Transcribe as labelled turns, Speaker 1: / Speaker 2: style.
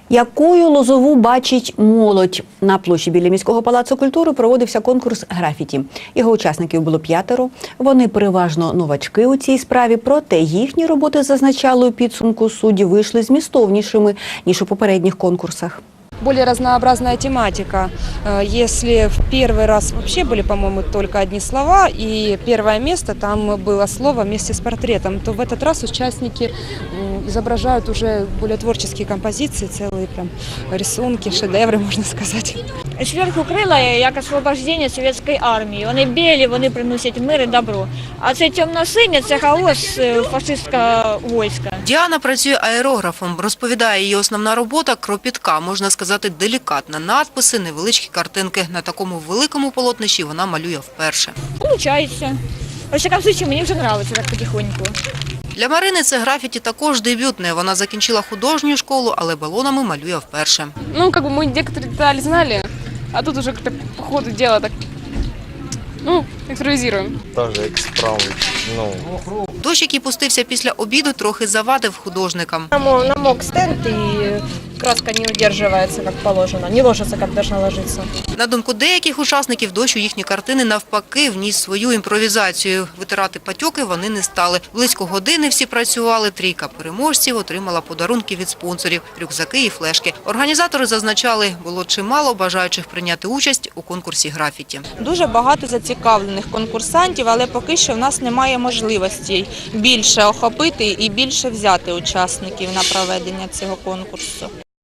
Speaker 1: Якою Лозову бачить молодь? На площі біля міського палацу культури проводився конкурс графіті. Його учасників було 5. Вони переважно новачки у цій справі, проте їхні роботи, зазначали у підсумку судді, вийшли змістовнішими, ніж у попередніх конкурсах.
Speaker 2: Более разнообразная тематика. Если в первый раз вообще были, по-моему, только одни слова, и первое место там было слово вместе с портретом, то в этот раз участники изображают уже более творческие композиции, целые прям рисунки, шедевры, можно сказать.
Speaker 3: Зверху крила як освобождення совєтської армії. Вони білі, вони приносять мир і добро. А це темно-синє, це хаос фашистського війська.
Speaker 4: Діана працює аерографом. Розповідає, її основна робота – кропітка, можна сказати, делікатна. Надписи, невеличкі картинки. На такому великому полотнищі вона малює вперше.
Speaker 3: Получається. В всякому випадку, мені вже подобається так потихоньку.
Speaker 4: Для Марини це графіті також дебютне. Вона закінчила художню школу, але балонами малює вперше.
Speaker 5: Ну, как бы мы некоторые детали знали, а тут уже как-то по ходу дела так, импровизируем.
Speaker 6: Даже експравить,
Speaker 4: Дощ, який пустився після обіду, трохи завадив художникам.
Speaker 2: Намок стенд, и краска не удерживается, как положено, не ложится, как должна ложиться.
Speaker 4: На думку деяких учасників, дощ у їхні картини навпаки вніс свою імпровізацію. Витирати патьоки вони не стали. Близько години всі працювали. 3 переможців отримала подарунки від спонсорів – рюкзаки і флешки. Організатори зазначали, було чимало бажаючих прийняти участь у конкурсі графіті.
Speaker 7: Дуже багато зацікавлених конкурсантів, але поки що в нас немає можливості більше охопити і більше взяти учасників на проведення цього конкурсу.